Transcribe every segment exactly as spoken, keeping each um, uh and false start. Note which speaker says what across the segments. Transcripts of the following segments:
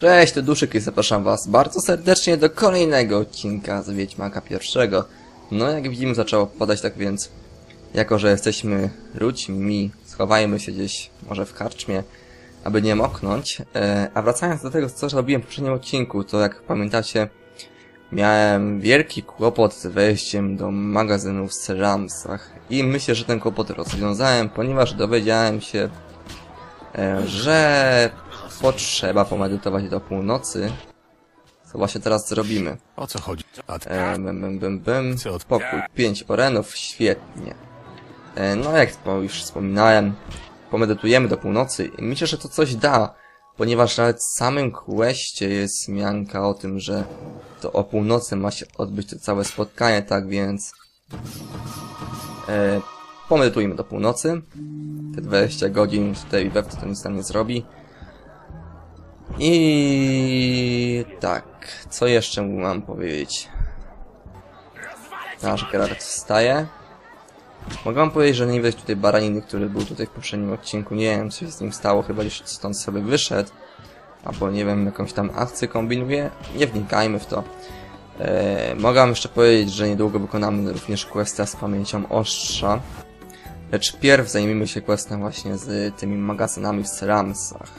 Speaker 1: Cześć, to Duszek i zapraszam was bardzo serdecznie do kolejnego odcinka z Wiedźmaka pierwszego. No jak widzimy zaczęło padać, tak więc jako że jesteśmy ludźmi, schowajmy się gdzieś może w karczmie, aby nie moknąć. E, a wracając do tego, co robiłem w poprzednim odcinku, to jak pamiętacie, miałem wielki kłopot z wejściem do magazynu w Seramsach i myślę, że ten kłopot rozwiązałem, ponieważ dowiedziałem się, e, że potrzeba pomedytować do północy. Co właśnie teraz zrobimy.
Speaker 2: O co chodzi?
Speaker 1: E, bym, bym, bym, bym. Pokój. Pięć orenów. Świetnie. E, no jak już wspominałem, pomedytujemy do północy i myślę, że to coś da. Ponieważ nawet w samym questie jest wzmianka o tym, że to o północy ma się odbyć to całe spotkanie, tak więc e, pomedytujmy do północy. Te dwadzieścia godzin tutaj wewto to nic nam nie zrobi. I tak, co jeszcze mam powiedzieć? Nasz Geralt wstaje. Mogę wam powiedzieć, że nie widać tutaj baraniny, który był tutaj w poprzednim odcinku. Nie wiem, co się z nim stało, chyba już stąd sobie wyszedł. Albo nie wiem, jakąś tam akcję kombinuje. Nie wnikajmy w to. Eee, mogę wam jeszcze powiedzieć, że niedługo wykonamy również questa z pamięcią ostrza. Lecz pierw zajmijmy się questem właśnie z tymi magazynami w Seramsach.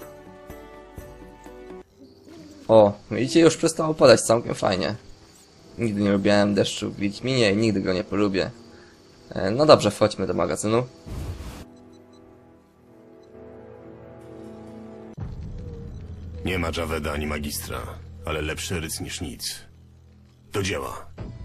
Speaker 1: O, widzicie, już przestało padać całkiem fajnie. Nigdy nie lubiłem deszczu w Wiedźminie i nigdy go nie polubię. E, no dobrze, wchodźmy do magazynu.
Speaker 2: Nie ma Javeda ani magistra, ale lepszy ryc niż nic. Do dzieła.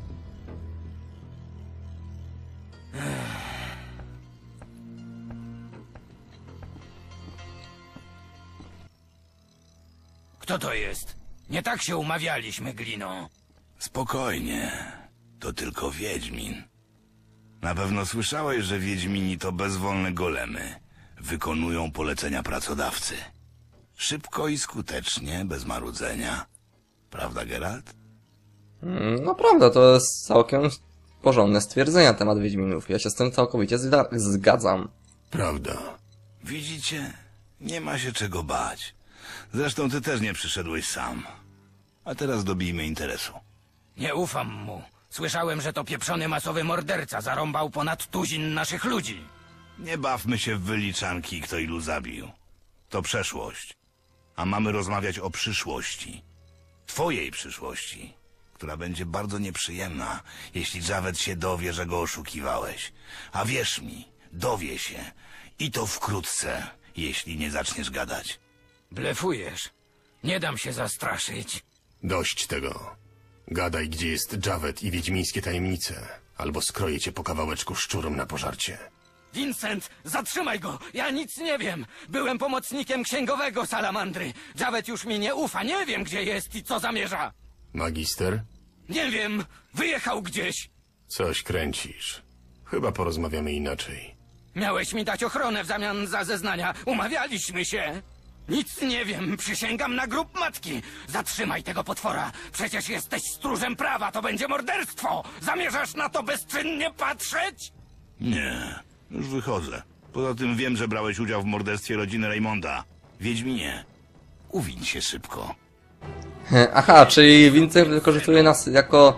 Speaker 3: Kto to jest? Nie tak się umawialiśmy, Glino.
Speaker 4: Spokojnie. To tylko Wiedźmin. Na pewno słyszałeś, że Wiedźmini to bezwolne golemy. Wykonują polecenia pracodawcy. Szybko i skutecznie, bez marudzenia. Prawda, Geralt?
Speaker 1: Mm, no prawda, to jest całkiem porządne stwierdzenie na temat Wiedźminów. Ja się z tym całkowicie zgadzam.
Speaker 4: Prawda. Widzicie? Nie ma się czego bać. Zresztą ty też nie przyszedłeś sam. A teraz dobijmy interesu.
Speaker 3: Nie ufam mu. Słyszałem, że to pieprzony masowy morderca zarąbał ponad tuzin naszych ludzi.
Speaker 4: Nie bawmy się w wyliczanki, kto ilu zabił. To przeszłość. A mamy rozmawiać o przyszłości. Twojej przyszłości, która będzie bardzo nieprzyjemna, jeśli Javed się dowie, że go oszukiwałeś. A wierz mi, dowie się. I to wkrótce, jeśli nie zaczniesz gadać.
Speaker 3: Blefujesz. Nie dam się zastraszyć.
Speaker 2: Dość tego. Gadaj, gdzie jest Javed i wiedźmińskie tajemnice, albo skroję cię po kawałeczku szczurom na pożarcie.
Speaker 3: Vincent, zatrzymaj go! Ja nic nie wiem! Byłem pomocnikiem księgowego Salamandry. Javed już mi nie ufa, nie wiem, gdzie jest i co zamierza.
Speaker 2: Magister?
Speaker 3: Nie wiem, wyjechał gdzieś.
Speaker 2: Coś kręcisz. Chyba porozmawiamy inaczej.
Speaker 3: Miałeś mi dać ochronę w zamian za zeznania. Umawialiśmy się. Nic nie wiem, przysięgam na grób matki. Zatrzymaj tego potwora. Przecież jesteś stróżem prawa, to będzie morderstwo. Zamierzasz na to bezczynnie patrzeć?
Speaker 4: Nie, już wychodzę. Poza tym wiem, że brałeś udział w morderstwie rodziny Raymonda. Wiedźminie, uwiń się szybko.
Speaker 1: Aha, czyli Vincent wykorzystuje nas jako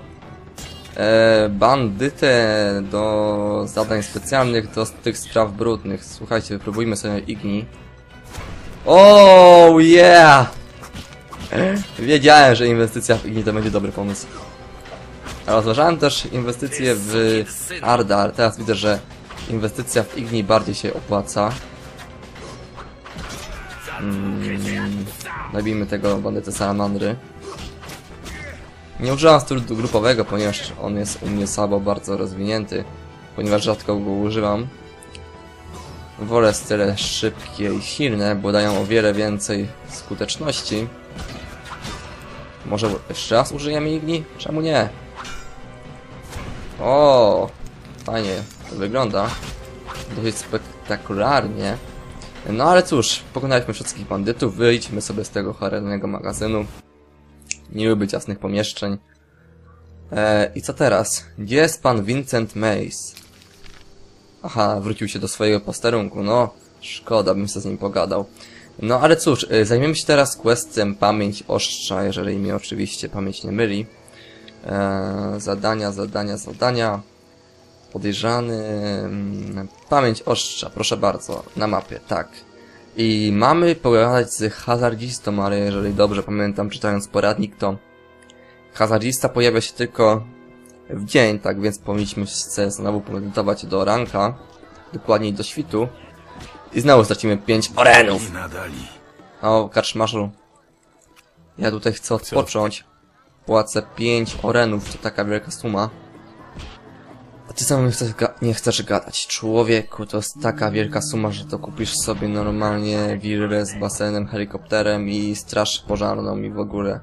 Speaker 1: e, bandytę do zadań specjalnych, do tych spraw brudnych. Słuchajcie, wypróbujmy sobie Igni. Oh yeah! Wiedziałem, że inwestycja w Igni to będzie dobry pomysł. Rozważałem też inwestycje w Ardal. Teraz widzę, że inwestycja w Igni bardziej się opłaca. Hmm. Zabijmy tego bandytę Salamandry. Nie używam stylu grupowego, ponieważ on jest u mnie słabo bardzo rozwinięty. Ponieważ rzadko go używam. Wolę style szybkie i silne, bo dają o wiele więcej skuteczności. Może jeszcze raz użyjemy Igni? Czemu nie? O, fajnie to wygląda. Dość spektakularnie. No ale cóż, pokonaliśmy wszystkich bandytów, wyjdźmy sobie z tego cholernego magazynu. Nie lubię ciasnych pomieszczeń. Eee, I co teraz? Gdzie jest pan Vincent Mace? Aha, wrócił się do swojego posterunku, no. Szkoda, bym się z nim pogadał. No ale cóż, y, zajmiemy się teraz questem Pamięć Ostrza, jeżeli mnie oczywiście pamięć nie myli. Eee, zadania, zadania, zadania. Podejrzany... mm, Pamięć Ostrza, proszę bardzo, na mapie, tak. I mamy pogadać z hazardzistą, ale jeżeli dobrze pamiętam, czytając poradnik, to hazardzista pojawia się tylko w dzień, tak więc powinniśmy się znowu pomedytować do ranka, dokładniej do świtu. I znowu stracimy pięć orenów.
Speaker 4: Nadali.
Speaker 1: O, kaczmarzu. Ja tutaj chcę odpocząć. Płacę pięć orenów, to taka wielka suma. A ty sam nie chcesz, nie chcesz gadać. Człowieku, to jest taka wielka suma, że to kupisz sobie normalnie willę z basenem, helikopterem i straż pożarną i w ogóle.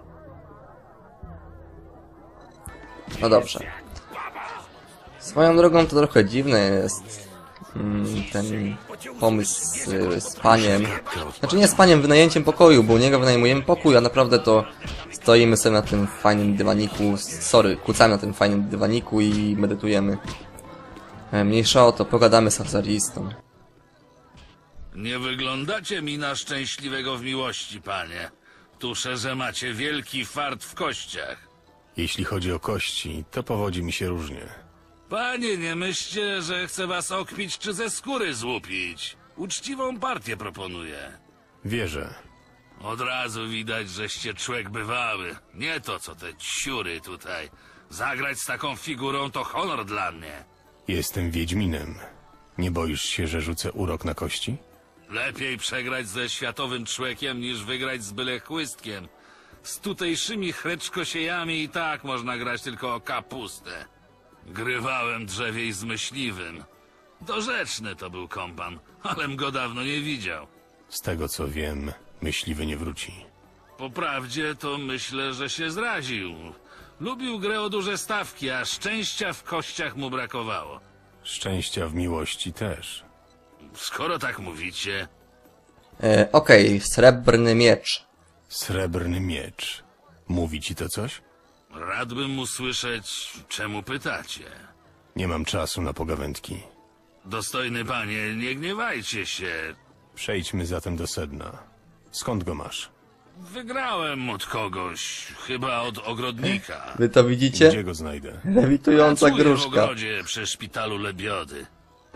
Speaker 1: No dobrze. Swoją drogą to trochę dziwne jest mm, ten pomysł z, z paniem. Znaczy nie z paniem, wynajęciem pokoju, bo u niego wynajmujemy pokój, a naprawdę to stoimy sobie na tym fajnym dywaniku, sorry, kucamy na tym fajnym dywaniku i medytujemy. E, Mniejsza o to, pogadamy z hazardistą.
Speaker 5: Nie wyglądacie mi na szczęśliwego w miłości, panie. Tuszę, że macie wielki fart w kościach.
Speaker 2: Jeśli chodzi o kości, to powodzi mi się różnie.
Speaker 5: Panie, nie myślcie, że chcę was okpić czy ze skóry złupić. Uczciwą partię proponuję.
Speaker 2: Wierzę.
Speaker 5: Od razu widać, żeście człowiek bywały. Nie to, co te ciury tutaj. Zagrać z taką figurą to honor dla mnie.
Speaker 2: Jestem Wiedźminem. Nie boisz się, że rzucę urok na kości?
Speaker 5: Lepiej przegrać ze światowym człowiekiem, niż wygrać z byle chłystkiem. Z tutejszymi chreczkosiejami i tak można grać tylko o kapustę. Grywałem drzewiej z myśliwym. Dorzeczny to był kompan, alem go dawno nie widział.
Speaker 2: Z tego co wiem, myśliwy nie wróci.
Speaker 5: Po prawdzie to myślę, że się zraził. Lubił grę o duże stawki, a szczęścia w kościach mu brakowało.
Speaker 2: Szczęścia w miłości też.
Speaker 5: Skoro tak mówicie,
Speaker 1: E, Okej, srebrny miecz.
Speaker 2: Srebrny miecz. Mówi ci to coś?
Speaker 5: radbym usłyszeć, czemu pytacie.
Speaker 2: Nie mam czasu na pogawędki.
Speaker 5: Dostojny panie, nie gniewajcie się.
Speaker 2: Przejdźmy zatem do sedna. Skąd go masz?
Speaker 5: Wygrałem od kogoś, chyba od ogrodnika.
Speaker 1: Wy to widzicie?
Speaker 2: Gdzie go znajdę?
Speaker 1: Lewitująca
Speaker 5: Pracuję w
Speaker 1: gruszka.
Speaker 5: ogrodzie przy szpitalu Lebiody.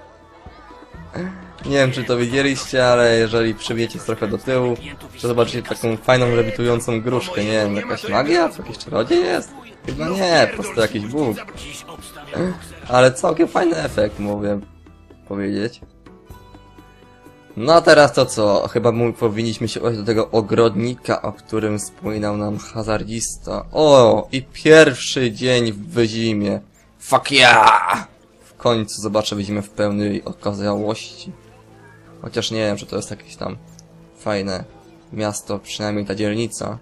Speaker 1: Nie wiem, czy to widzieliście, ale jeżeli przybiecie trochę do tyłu, to zobaczycie taką fajną lewitującą gruszkę. Nie wiem, jakaś magia? Co, jakiś czarodziej jest? Chyba nie, po prostu jakiś bóg. Ale całkiem fajny efekt, mówię powiedzieć. No a teraz to co? Chyba mu powinniśmy się odnieść do tego ogrodnika, o którym wspominał nam hazardzista. O, i pierwszy dzień w zimie. Fuck yeah! W końcu zobaczę zimę w pełnej okazałości. Chociaż nie wiem, czy to jest jakieś tam fajne miasto, przynajmniej ta dzielnica.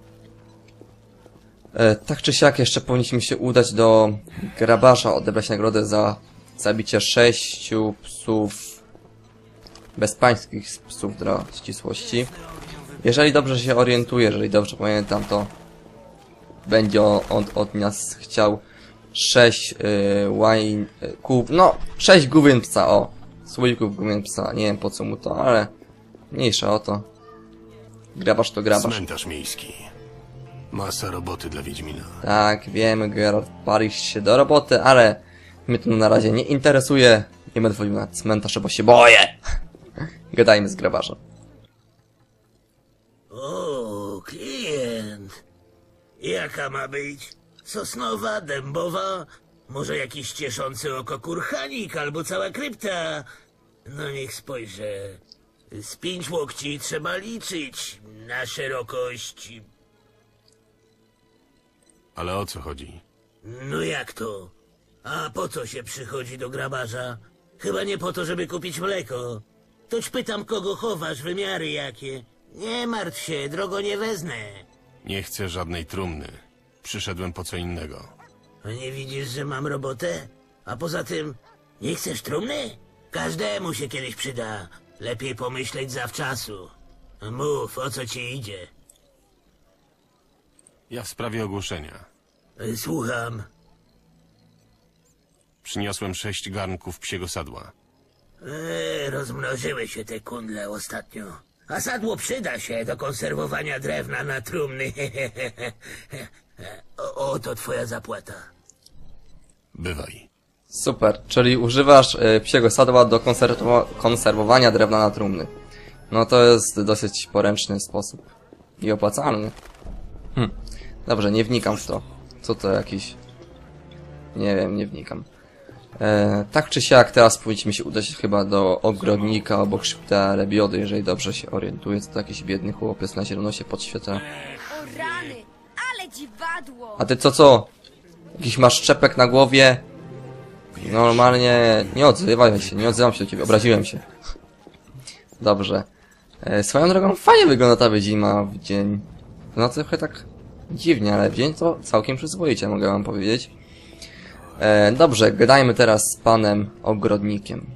Speaker 1: E, tak czy siak jeszcze powinniśmy się udać do grabarza, odebrać nagrodę za zabicie sześciu psów, bezpańskich psów dla ścisłości. Jeżeli dobrze się orientuję, jeżeli dobrze pamiętam, to będzie on od nas chciał sześć y, wine, y, kup, no sześć główien psa, o, słoików główien psa, nie wiem po co mu to, ale mniejsza o to. Grabarz to grabarz.
Speaker 2: Cmentarz miejski. Masa roboty dla Wiedźmina.
Speaker 1: Tak, wiemy, Geralt palisz się do roboty, ale mnie to na razie nie interesuje. Nie będę wchodził na cmentarz, bo się boję. Gadajmy z grabarzem.
Speaker 6: O, klient. Jaka ma być? Sosnowa, dębowa? Może jakiś cieszący oko kurhanik albo cała krypta? No niech spojrzę. Z pięć łokci trzeba liczyć na szerokość.
Speaker 2: Ale o co chodzi?
Speaker 6: No jak to? A po co się przychodzi do grabarza? Chyba nie po to, żeby kupić mleko. Toć pytam, kogo chowasz, wymiary jakie. Nie martw się, drogo nie wezmę.
Speaker 2: Nie chcę żadnej trumny. Przyszedłem po co innego.
Speaker 6: A nie widzisz, że mam robotę? A poza tym, nie chcesz trumny? Każdemu się kiedyś przyda. Lepiej pomyśleć zawczasu. Mów, o co ci idzie.
Speaker 2: Ja w sprawie ogłoszenia.
Speaker 6: Y, Słucham.
Speaker 2: Przyniosłem sześć garnków psiego sadła.
Speaker 6: Eee, rozmnożyły się te kundle ostatnio. A sadło przyda się do konserwowania drewna na trumny. O, oto twoja zapłata.
Speaker 2: Bywaj.
Speaker 1: Super, czyli używasz y, psiego sadła do konserwo konserwowania drewna na trumny. No to jest dosyć poręczny sposób. I opłacalny. Hm. Dobrze, nie wnikam w to. Co to jakiś... Nie wiem, nie wnikam. E, tak czy siak, teraz powinniśmy się udać chyba do ogrodnika obok szpitala Lebiody, jeżeli dobrze się orientuję. To jakiś biedny chłopiec na zielono się podświetla.
Speaker 7: O rany, ale dziwadło!
Speaker 1: A ty co, co? Jakiś masz szczepek na głowie? Normalnie... Nie odzywaj się, nie odzywam się do ciebie, obraziłem się. Dobrze. E, swoją drogą fajnie wygląda ta wyzima w dzień. No trochę tak dziwnie, ale w dzień to całkiem przyzwoicie, mogę wam powiedzieć. E, dobrze, gadajmy teraz z panem ogrodnikiem.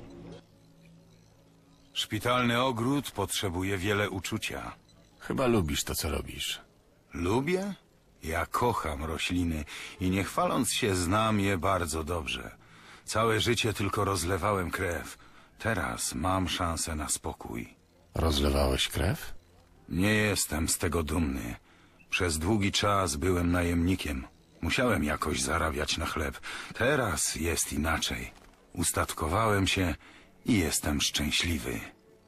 Speaker 8: Szpitalny ogród potrzebuje wiele uczucia.
Speaker 2: Chyba lubisz to, co robisz.
Speaker 8: Lubię? Ja kocham rośliny i nie chwaląc się znam je bardzo dobrze. Całe życie tylko rozlewałem krew. Teraz mam szansę na spokój.
Speaker 2: Rozlewałeś krew?
Speaker 8: Nie jestem z tego dumny. Przez długi czas byłem najemnikiem. Musiałem jakoś zarabiać na chleb. Teraz jest inaczej. Ustatkowałem się i jestem szczęśliwy.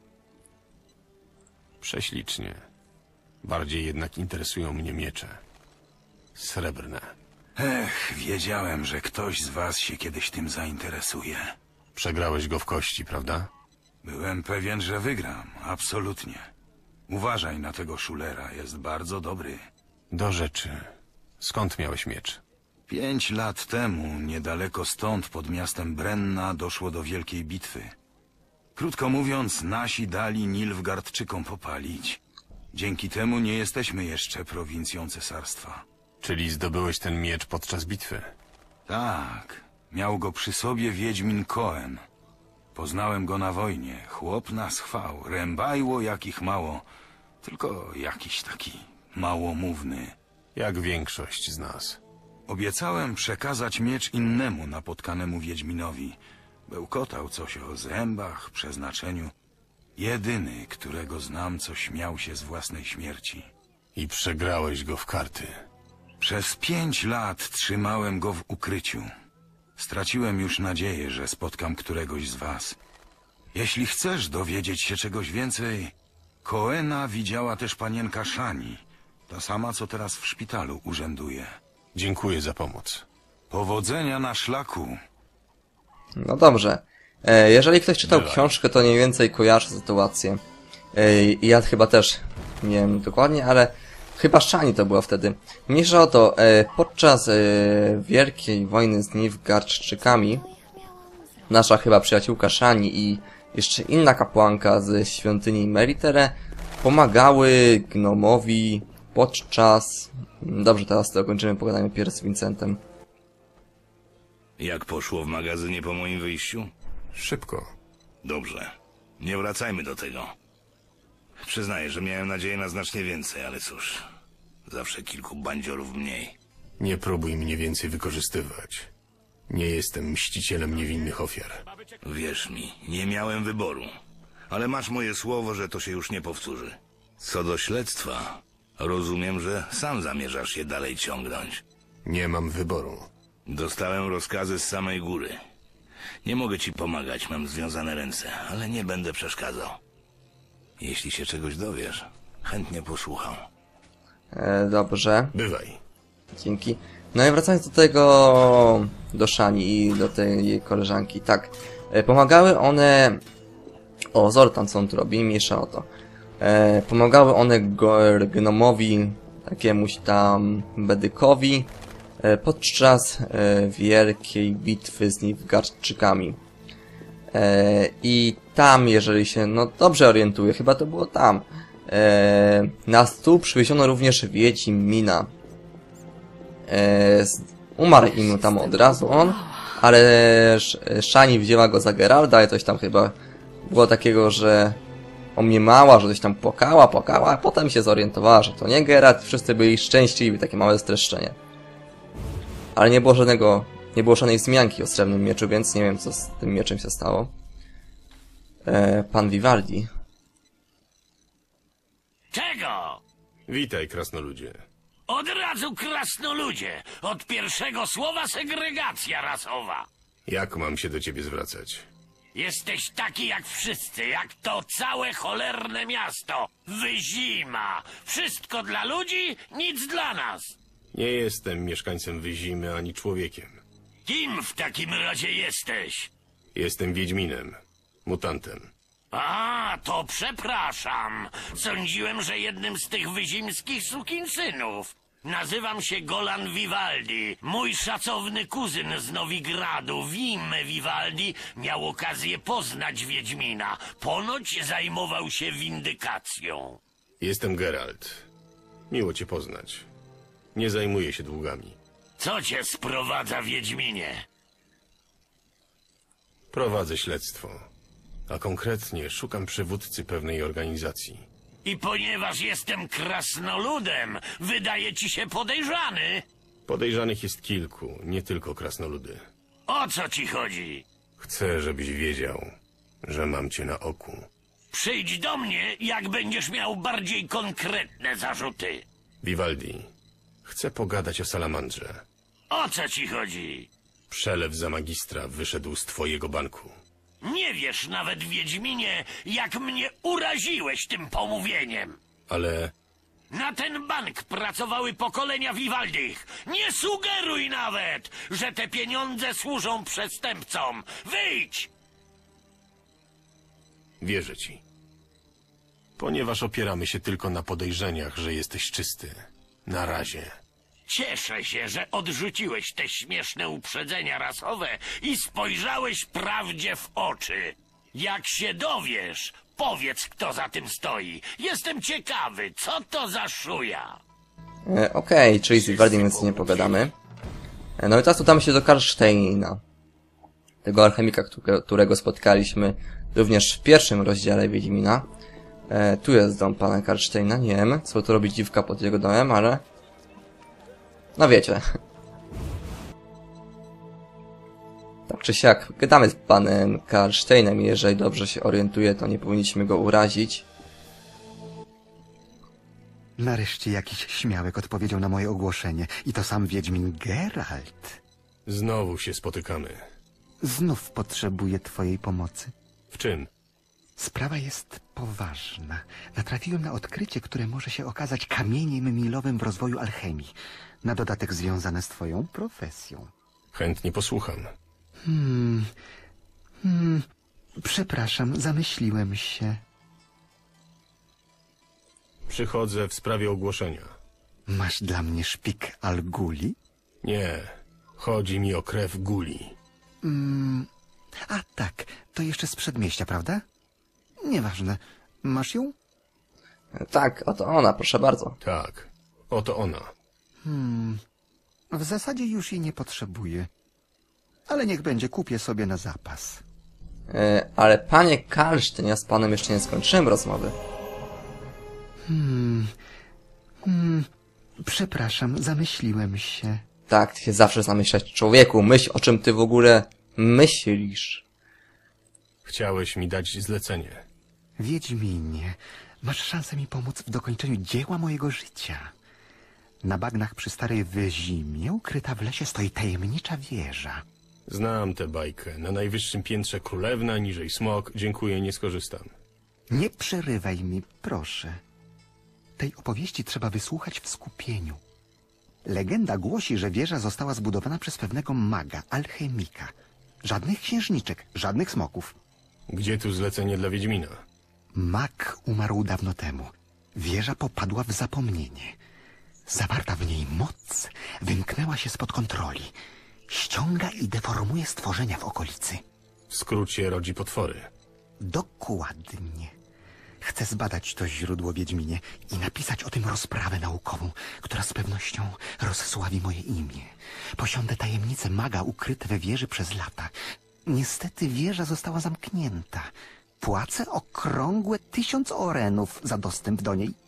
Speaker 2: Prześlicznie. Bardziej jednak interesują mnie miecze. Srebrne.
Speaker 8: Ech, wiedziałem, że ktoś z was się kiedyś tym zainteresuje.
Speaker 2: Przegrałeś go w kości, prawda?
Speaker 8: Byłem pewien, że wygram. Absolutnie. Uważaj na tego szulera, jest bardzo dobry.
Speaker 2: Do rzeczy. Skąd miałeś miecz?
Speaker 8: Pięć lat temu, niedaleko stąd, pod miastem Brenna, doszło do wielkiej bitwy. Krótko mówiąc, nasi dali Nilfgaardczykom popalić. Dzięki temu nie jesteśmy jeszcze prowincją cesarstwa.
Speaker 2: Czyli zdobyłeś ten miecz podczas bitwy?
Speaker 8: Tak, miał go przy sobie wiedźmin Koen. Poznałem go na wojnie, chłop nas chwał, rębajło jakich mało, tylko jakiś taki małomówny.
Speaker 2: Jak większość z nas.
Speaker 8: Obiecałem przekazać miecz innemu napotkanemu wiedźminowi. Bełkotał coś o zębach, przeznaczeniu. Jedyny, którego znam, co śmiał się z własnej śmierci.
Speaker 2: I przegrałeś go w karty.
Speaker 8: Przez pięć lat trzymałem go w ukryciu. Straciłem już nadzieję, że spotkam któregoś z was. Jeśli chcesz dowiedzieć się czegoś więcej, Koena widziała też panienka Szani, ta sama, co teraz w szpitalu urzęduje.
Speaker 2: Dziękuję za pomoc.
Speaker 8: Powodzenia na szlaku.
Speaker 1: No dobrze. E, jeżeli ktoś czytał
Speaker 2: Bywaj.
Speaker 1: książkę, to mniej więcej kojarzy sytuację. E, I ja chyba też, nie wiem dokładnie, ale chyba Szani to była wtedy. Mniejsza o to, e, podczas e, wielkiej wojny z Nilfgaardczykami nasza chyba przyjaciółka Szani i jeszcze inna kapłanka ze świątyni Meritere pomagały gnomowi podczas... Dobrze, teraz to kończymy, pogadajmy pierw z Vincentem.
Speaker 4: Jak poszło w magazynie po moim wyjściu?
Speaker 2: Szybko.
Speaker 4: Dobrze. Nie wracajmy do tego. Przyznaję, że miałem nadzieję na znacznie więcej, ale cóż. Zawsze kilku bandziorów mniej.
Speaker 2: Nie próbuj mnie więcej wykorzystywać. Nie jestem mścicielem niewinnych ofiar.
Speaker 4: Wierz mi, nie miałem wyboru. Ale masz moje słowo, że to się już nie powtórzy. Co do śledztwa, rozumiem, że sam zamierzasz je dalej ciągnąć.
Speaker 2: Nie mam wyboru.
Speaker 4: Dostałem rozkazy z samej góry. Nie mogę ci pomagać, mam związane ręce, ale nie będę przeszkadzał. Jeśli się czegoś dowiesz, chętnie posłucham.
Speaker 1: E, dobrze.
Speaker 2: Bywaj.
Speaker 1: Dzięki. No i wracając do tego, do Szani i do tej jej koleżanki, tak. E, pomagały one... O, Zoltan, co on tu robi? Mniejsza o to. E, pomagały one go, gnomowi, jakiemuś tam bedykowi, e, podczas e, wielkiej bitwy z Nilfgaardczykami. E, I tam, jeżeli się, no dobrze orientuję, chyba to było tam. E, na stół przywieziono również Wiedźmina. E, umarł im tam od razu on, ale Szani wzięła go za Geralda i coś tam chyba było takiego, że omniemała, że coś tam płakała, płakała, a potem się zorientowała, że to nie Geralt, wszyscy byli szczęśliwi, takie małe streszczenie. Ale nie było żadnego, nie było żadnej wzmianki o srebrnym mieczu, więc nie wiem, co z tym mieczem się stało. E, pan Vivaldi.
Speaker 3: Czego?
Speaker 2: Witaj, krasnoludzie.
Speaker 3: Od razu krasnoludzie. Od pierwszego słowa segregacja rasowa.
Speaker 2: Jak mam się do ciebie zwracać?
Speaker 3: Jesteś taki jak wszyscy, jak to całe cholerne miasto. Wyzima. Wszystko dla ludzi, nic dla nas.
Speaker 2: Nie jestem mieszkańcem Wyzimy ani człowiekiem.
Speaker 3: Kim w takim razie jesteś?
Speaker 2: Jestem Wiedźminem. Mutantem.
Speaker 3: A, to przepraszam. Sądziłem, że jednym z tych wyzimskich sukinsynów. Nazywam się Golan Vivaldi. Mój szacowny kuzyn z Nowigradu, Wim Vivaldi, miał okazję poznać Wiedźmina. Ponoć zajmował się windykacją.
Speaker 2: Jestem Geralt. Miło cię poznać. Nie zajmuję się długami.
Speaker 3: Co cię sprowadza, Wiedźminie?
Speaker 2: Prowadzę śledztwo. A konkretnie szukam przywódcy pewnej organizacji.
Speaker 3: I ponieważ jestem krasnoludem, wydaje ci się podejrzany?
Speaker 2: Podejrzanych jest kilku, nie tylko krasnoludy.
Speaker 3: O co ci chodzi?
Speaker 2: Chcę, żebyś wiedział, że mam cię na oku.
Speaker 3: Przyjdź do mnie, jak będziesz miał bardziej konkretne zarzuty.
Speaker 2: Vivaldi, chcę pogadać o salamandrze.
Speaker 3: O co ci chodzi?
Speaker 2: Przelew za magistra wyszedł z twojego banku.
Speaker 3: Nie wiesz nawet, Wiedźminie, jak mnie uraziłeś tym pomówieniem.
Speaker 2: Ale
Speaker 3: Na ten bank pracowały pokolenia Vivaldich. Nie sugeruj nawet, że te pieniądze służą przestępcom. Wyjdź!
Speaker 2: wierzę ci. Ponieważ opieramy się tylko na podejrzeniach, że jesteś czysty. Na razie.
Speaker 3: Cieszę się, że odrzuciłeś te śmieszne uprzedzenia rasowe i spojrzałeś prawdzie w oczy. Jak się dowiesz, powiedz, kto za tym stoi. Jestem ciekawy, co to za szuja.
Speaker 1: E, Okej, czyli z Vivaldiem więc nie pogadamy. E, no i teraz udamy się do Karlsteina. Tego alchemika, którego, którego spotkaliśmy również w pierwszym rozdziale Wiedźmina. E, tu jest dom pana Karlsteina. Nie wiem, co tu robi dziwka pod jego domem, ale... No wiecie. Tak czy siak, gadamy z panem Karlsteinem i jeżeli dobrze się orientuję, to nie powinniśmy go urazić.
Speaker 9: Nareszcie jakiś śmiałek odpowiedział na moje ogłoszenie. I to sam Wiedźmin Geralt.
Speaker 2: Znowu się spotykamy.
Speaker 9: Znów potrzebuję twojej pomocy.
Speaker 2: W czym?
Speaker 9: Sprawa jest poważna. Natrafiłem na odkrycie, które może się okazać kamieniem milowym w rozwoju alchemii. Na dodatek związane z twoją profesją.
Speaker 2: Chętnie posłucham.
Speaker 9: Hmm... Hmm... Przepraszam, zamyśliłem się.
Speaker 2: Przychodzę w sprawie ogłoszenia.
Speaker 9: Masz dla mnie szpik Alguli?
Speaker 2: Nie, chodzi mi o krew Guli.
Speaker 9: Mm, a tak, to jeszcze z przedmieścia, prawda? Nieważne. Masz ją?
Speaker 1: E, tak, oto ona, proszę bardzo.
Speaker 2: Tak, oto ona.
Speaker 9: Hmm... W zasadzie już jej nie potrzebuję. Ale niech będzie, kupię sobie na zapas.
Speaker 1: E, ale panie Karlstein, ja z panem jeszcze nie skończyłem rozmowy.
Speaker 9: Hmm... Hmm... Przepraszam, zamyśliłem się.
Speaker 1: Tak, ty się zawsze zamyślać, człowieku. Myśl, o czym ty w ogóle myślisz.
Speaker 2: Chciałeś mi dać zlecenie.
Speaker 9: Wiedźminie, masz szansę mi pomóc w dokończeniu dzieła mojego życia. Na bagnach przy Starej Wyzimie, ukryta w lesie, stoi tajemnicza wieża.
Speaker 2: Znam tę bajkę. Na najwyższym piętrze królewna, niżej smok. Dziękuję, nie skorzystam.
Speaker 9: Nie przerywaj mi, proszę. Tej opowieści trzeba wysłuchać w skupieniu. Legenda głosi, że wieża została zbudowana przez pewnego maga, alchemika. Żadnych księżniczek, żadnych smoków.
Speaker 2: Gdzie tu zlecenie dla Wiedźmina?
Speaker 9: Mag umarł dawno temu. Wieża popadła w zapomnienie. Zawarta w niej moc wymknęła się spod kontroli. Ściąga i deformuje stworzenia w okolicy.
Speaker 2: W skrócie rodzi potwory.
Speaker 9: Dokładnie. Chcę zbadać to źródło, Wiedźminie, i napisać o tym rozprawę naukową, która z pewnością rozsławi moje imię. Posiądę tajemnice maga ukryte we wieży przez lata. Niestety wieża została zamknięta. Płacę okrągłe tysiąc orenów za dostęp do niej.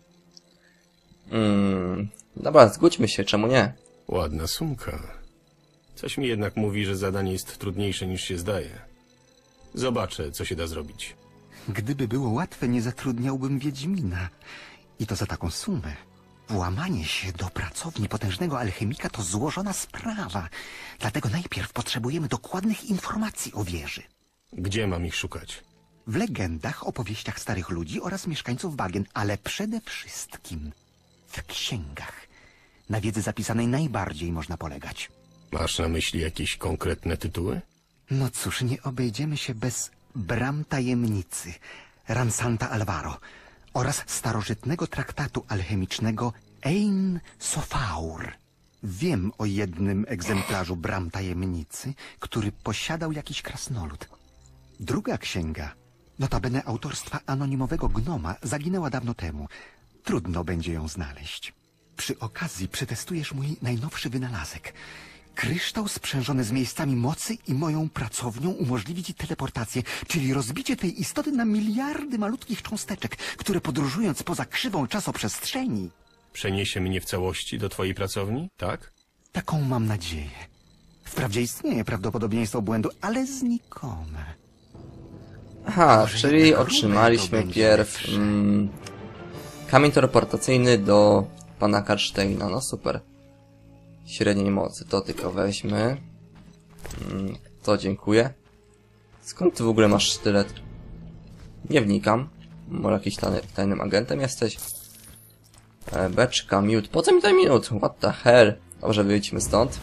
Speaker 1: Mm, dobra, zgódźmy się, czemu nie?
Speaker 2: Ładna sumka. Coś mi jednak mówi, że zadanie jest trudniejsze niż się zdaje. Zobaczę, co się da zrobić.
Speaker 9: Gdyby było łatwe, nie zatrudniałbym Wiedźmina. I to za taką sumę. Włamanie się do pracowni potężnego alchemika to złożona sprawa. Dlatego najpierw potrzebujemy dokładnych informacji o wieży.
Speaker 2: Gdzie mam ich szukać?
Speaker 9: W legendach, opowieściach starych ludzi oraz mieszkańców bagien, ale przede wszystkim w księgach. Na wiedzy zapisanej najbardziej można polegać.
Speaker 2: Masz na myśli jakieś konkretne tytuły?
Speaker 9: No cóż, nie obejdziemy się bez Bram Tajemnicy, Ransanta Alvaro oraz starożytnego traktatu alchemicznego Ein Sofaur. Wiem o jednym egzemplarzu Bram Tajemnicy, który posiadał jakiś krasnolud. Druga księga, notabene autorstwa anonimowego gnoma, zaginęła dawno temu. Trudno będzie ją znaleźć. Przy okazji przetestujesz mój najnowszy wynalazek. Kryształ sprzężony z miejscami mocy i moją pracownią umożliwi ci teleportację, czyli rozbicie tej istoty na miliardy malutkich cząsteczek, które podróżując poza krzywą czasoprzestrzeni...
Speaker 2: Przeniesie mnie w całości do twojej pracowni, tak?
Speaker 9: Taką mam nadzieję. Wprawdzie istnieje prawdopodobieństwo błędu, ale znikome.
Speaker 1: Aha,
Speaker 9: Może
Speaker 1: czyli
Speaker 9: jednak
Speaker 1: otrzymaliśmy
Speaker 9: Rubel to
Speaker 1: pierw
Speaker 9: będzie
Speaker 1: mm, kamień teleportacyjny do pana Karsteina. No super. Średniej mocy, to tylko weźmy. Mm, to dziękuję. Skąd ty w ogóle masz sztylet? Nie wnikam. Może jakiś tajny, tajnym agentem jesteś? E, beczka, miód. Po co mi ten miód? What the hell? Dobrze, wyjdźmy stąd.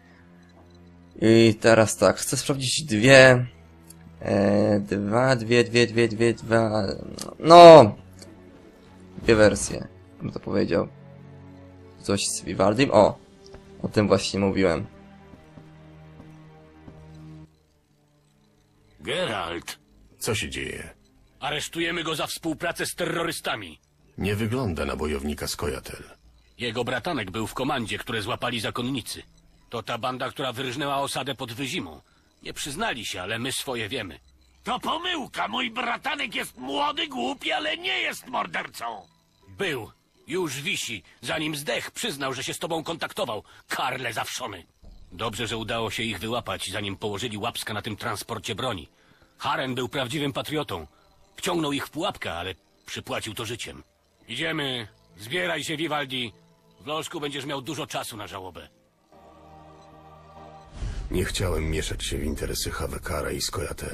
Speaker 1: I teraz tak, chcę sprawdzić dwie... E, dwa, dwie, dwie, dwie, dwie, dwa... No! Dwie wersje, bym to powiedział. Coś z Vivaldim? O! O tym właśnie mówiłem.
Speaker 10: Geralt,
Speaker 2: Co się dzieje?
Speaker 10: aresztujemy go za współpracę z terrorystami.
Speaker 2: Nie wygląda na bojownika Skojatel.
Speaker 10: Jego bratanek był w komandzie, które złapali zakonnicy. To ta banda, która wyrżnęła osadę pod Wyzimą. Nie przyznali się, ale my swoje wiemy.
Speaker 3: To pomyłka. Mój bratanek jest młody, głupi, ale nie jest mordercą.
Speaker 10: Był. Już wisi. Zanim zdech, przyznał, że się z tobą kontaktował. Karle zawszony. Dobrze, że udało się ich wyłapać, zanim położyli łapska na tym transporcie broni. Haren był prawdziwym patriotą. Wciągnął ich w pułapkę, ale przypłacił to życiem. Idziemy. Zbieraj się, Vivaldi. W lożku będziesz miał dużo czasu na żałobę.
Speaker 2: Nie chciałem mieszać się w interesy Havekara i Skojatel.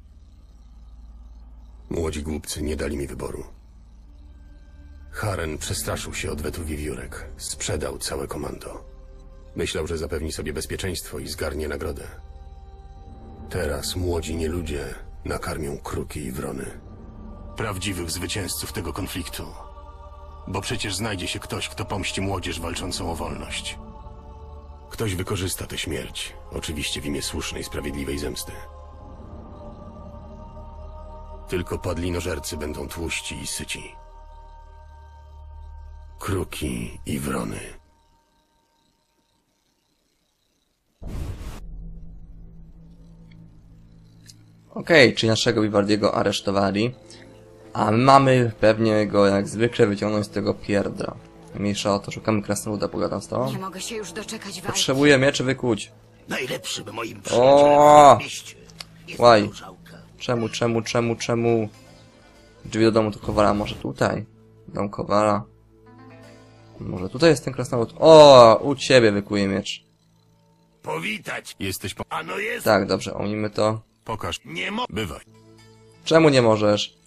Speaker 2: Młodzi głupcy nie dali mi wyboru. Haren przestraszył się odwetu wiewiórek. Sprzedał całe komando. Myślał, że zapewni sobie bezpieczeństwo i zgarnie nagrodę. Teraz młodzi nieludzie nakarmią kruki i wrony. Prawdziwych zwycięzców tego konfliktu. Bo przecież znajdzie się ktoś, kto pomści młodzież walczącą o wolność. Ktoś wykorzysta tę śmierć, oczywiście w imię słusznej, sprawiedliwej zemsty. Tylko padlinożercy będą tłuści i syci. Kruki i wrony.
Speaker 1: Okej, okay, czyli naszego Vivaldiego aresztowali. A my mamy pewnie go jak zwykle wyciągnąć z tego pierdra. Mniejsza o to, szukamy krasnoluda, pogadam z tobą.
Speaker 7: Nie mogę się już doczekać walki.
Speaker 1: Potrzebuję mieczy wykuć.
Speaker 6: Najlepszym moim
Speaker 1: O!
Speaker 6: przyjacielem w mieście jest
Speaker 1: Łaj.
Speaker 6: różałka.
Speaker 1: Czemu, czemu, czemu, czemu? Drzwi do domu to Kowala, może tutaj? Dom Kowala. Może tutaj jest ten krasnolud? O, u ciebie wykuję miecz.
Speaker 4: Powitać.
Speaker 2: Jesteś po...
Speaker 4: Ano jest.
Speaker 1: Tak, dobrze, omijmy to.
Speaker 2: Pokaż.
Speaker 4: Nie mo...
Speaker 2: Bywaj.
Speaker 1: Czemu nie możesz?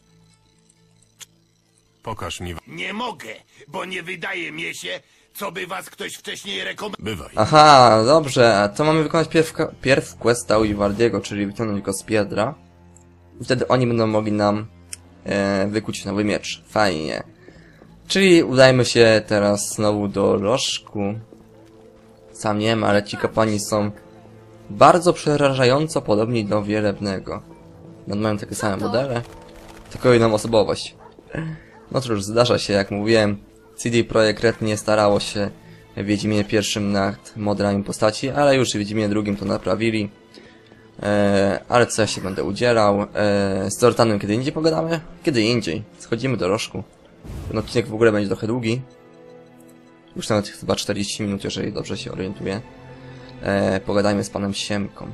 Speaker 2: Pokaż mi...
Speaker 4: Nie mogę, bo nie wydaje mi się, co by was ktoś wcześniej rekomendował.
Speaker 2: Bywaj.
Speaker 1: Aha, dobrze, a to mamy wykonać pierw, pierw questa u Vivaldiego, czyli wyciągnąć go z piedra. I wtedy oni będą mogli nam e, wykuć nowy miecz. Fajnie. Czyli udajmy się teraz znowu do lożku. Sam nie wiem, ale ci kapłani są bardzo przerażająco podobni do Wielebnego. No, mają takie same modele, tylko inną osobowość. No cóż, zdarza się, jak mówiłem, C D Projekt Red nie starało się w Wiedźminie pierwszym nad modelami postaci, ale już w Wiedźminie drugim to naprawili. Eee, ale co ja się będę udzielał? Eee, z Zoltanem kiedy indziej pogadamy? Kiedy indziej. Schodzimy do rożku. Ten odcinek w ogóle będzie trochę długi. Już nawet chyba czterdzieści minut, jeżeli dobrze się orientuję. Eee, pogadajmy z panem Siemką.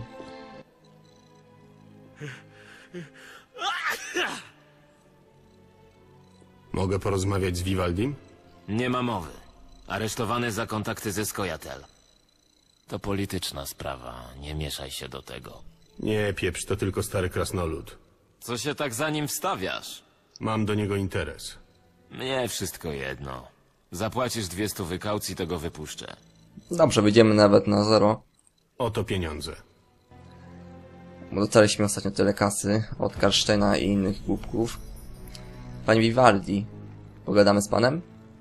Speaker 2: Mogę porozmawiać z Vivaldim?
Speaker 11: Nie ma mowy. Aresztowany za kontakty ze Skojatel. To polityczna sprawa, nie mieszaj się do tego.
Speaker 2: Nie, pieprz, to tylko stary krasnolud.
Speaker 11: Co się tak za nim wstawiasz?
Speaker 2: Mam do niego interes.
Speaker 11: Mnie wszystko jedno. Zapłacisz dwie stówy kaucji, to go wypuszczę.
Speaker 1: Dobrze, wyjdziemy nawet na zero.
Speaker 2: Oto pieniądze.
Speaker 1: Bo dostaliśmy ostatnio tyle kasy od Karsztejna i innych głupków. Panie Vivaldi, pogadamy z panem?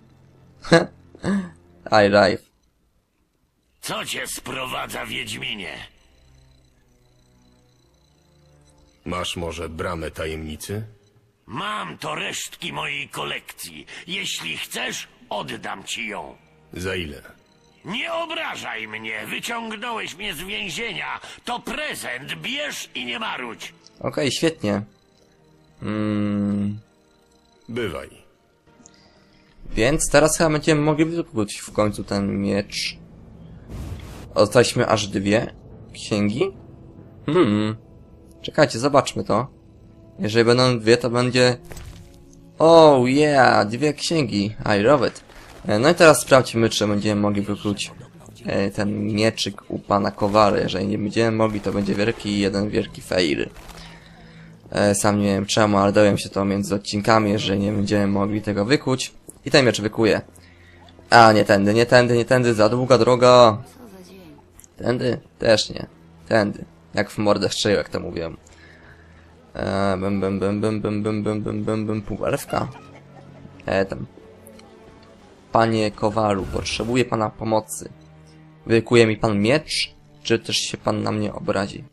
Speaker 1: I live.
Speaker 6: Co cię sprowadza, Wiedźminie?
Speaker 2: Masz może bramę tajemnicy?
Speaker 6: Mam to resztki mojej kolekcji. Jeśli chcesz, oddam ci ją.
Speaker 2: Za ile?
Speaker 6: Nie obrażaj mnie, wyciągnąłeś mnie z więzienia. To prezent, bierz i nie marudź.
Speaker 1: Okej, świetnie. Mm,
Speaker 2: Bywaj.
Speaker 1: więc teraz chyba będziemy mogli wykupić w końcu ten miecz. Dostaliśmy aż dwie księgi? Hmm. Czekajcie, zobaczmy to. Jeżeli będą dwie, to będzie... Oh yeah, dwie księgi. I love it. No i teraz sprawdźmy, czy będziemy mogli wykluć e, ten mieczyk u pana Kowary. Jeżeli nie będziemy mogli, to będzie wielki jeden wielki fail. E, sam nie wiem czemu, ale dowiem się to między odcinkami, jeżeli nie będziemy mogli tego wykuć. I ten miecz wykuję. A, nie tędy, nie tędy, nie tędy, za długa droga. Tędy? Też nie. Tędy. Jak w mordę strzelił, jak to mówiłem. Eee, bym, bym, bym, bym, bym, bym, bym, bym, bym, bym, półelfka. Eee, tam. Panie Kowalu, potrzebuję pana pomocy. Wykuje mi pan miecz, czy też się pan na mnie obrazi?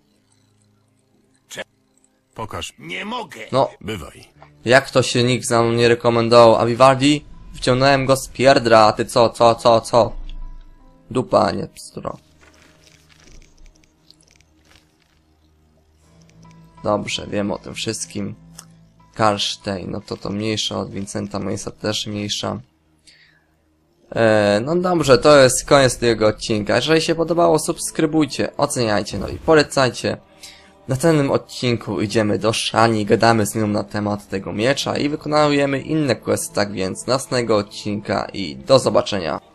Speaker 2: Pokaż.
Speaker 6: Nie mogę.
Speaker 1: No,
Speaker 2: Bywaj.
Speaker 1: jak to się nikt za mną nie rekomendował? A Vivaldi? Wciągnąłem go z pierdra, a ty co, co, co, co? Dupa, nie pstro. Dobrze, wiem o tym wszystkim. Karsztejn, no to to mniejsza od Vincenta Mace'a, też mniejsza. Eee, no dobrze, to jest koniec tego odcinka. Jeżeli się podobało, subskrybujcie, oceniajcie, no i polecajcie. W następnym odcinku idziemy do Shani, gadamy z nią na temat tego miecza i wykonujemy inne questy, tak więc następnego odcinka i do zobaczenia.